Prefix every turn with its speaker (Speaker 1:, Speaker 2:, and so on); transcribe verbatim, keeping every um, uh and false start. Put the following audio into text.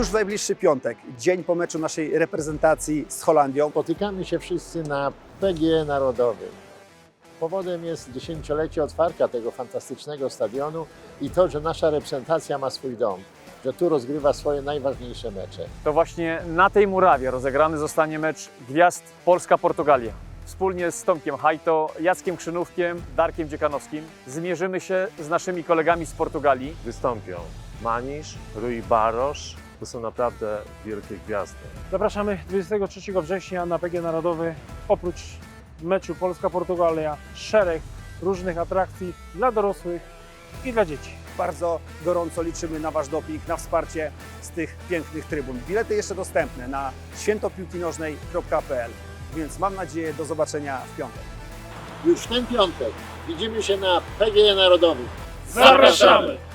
Speaker 1: Już w najbliższy piątek, dzień po meczu naszej reprezentacji z Holandią.
Speaker 2: Spotykamy się wszyscy na P G E Narodowym. Powodem jest dziesięciolecie otwarcia tego fantastycznego stadionu i to, że nasza reprezentacja ma swój dom, że tu rozgrywa swoje najważniejsze mecze.
Speaker 3: To właśnie na tej murawie rozegrany zostanie mecz gwiazd Polska-Portugalia. Wspólnie z Tomkiem Hajto, Jackiem Krzynówkiem, Darkiem Dziekanowskim zmierzymy się z naszymi kolegami z Portugalii.
Speaker 4: Wystąpią Manisz, Rui Barosz. To są naprawdę wielkie gwiazdy.
Speaker 5: Zapraszamy dwudziestego trzeciego września na P G E Narodowy. Oprócz meczu Polska-Portugalia szereg różnych atrakcji dla dorosłych i dla dzieci.
Speaker 1: Bardzo gorąco liczymy na Wasz doping, na wsparcie z tych pięknych trybun. Bilety jeszcze dostępne na świętopiłkinożnej kropka p l, więc mam nadzieję do zobaczenia w piątek.
Speaker 2: Już w ten piątek widzimy się na P G E Narodowym.
Speaker 5: Zapraszamy!